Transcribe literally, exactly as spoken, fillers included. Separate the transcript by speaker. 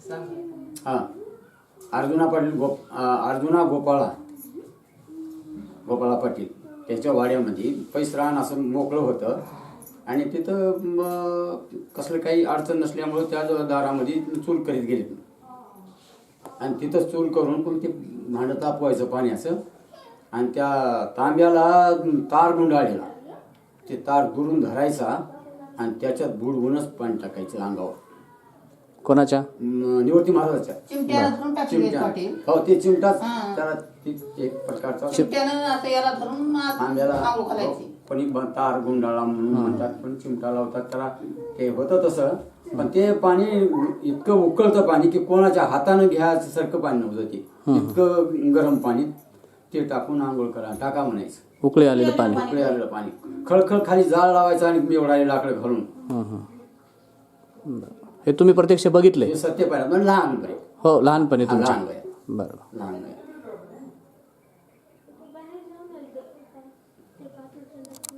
Speaker 1: हां अर्जुना पाटील गोप अर्जुना गोपाळा गोपाळा पाटील त्याच्या वाड्यामध्ये पैसरान असं मोकळं होतं आणि तिथं कसलं काही अडचण नसल्यामुळं त्या दारामध्ये चूल करीत गेले आणि तिथंच चूल करून पण ते भांडं तापवायचं पाण्याचं आणि त्या तांब्याला तार गुंडाळलेला ते तार दुरून धरायचा आणि त्याच्यात बुडवूनच पाणी टाकायचं अंगावर.
Speaker 2: कोणाच्या?
Speaker 1: निवृत्ती महाराजाच्या चिमट्या. हो ते चिमटाच त्याला एक प्रकारचा तांब्याला पण तार गुंडाळा म्हणून म्हणतात पण चिमटा लावतात त्याला ते होतं तसं. पण ते पाणी इतकं उकळतं पाणी की कोणाच्या हातानं घ्यायचं सारखं पाणी नव्हतं ते इतकं गरम पाणी ते टाकून आंघोळ करा टाका म्हणायचं.
Speaker 2: उकळे आलेलं पाणी
Speaker 1: उकळे आलेलं पाणी खळखळ खाली जाळ लावायचं आणि मेवडाले लाकडं घालून.
Speaker 2: हे तुम्ही प्रत्यक्ष बघितले?
Speaker 1: सत्य पाहिलं म्हणजे लहान वय.
Speaker 2: हो लहानपणी तुमच्या?
Speaker 1: लहान वय.
Speaker 2: बरोबर
Speaker 1: लहान वय.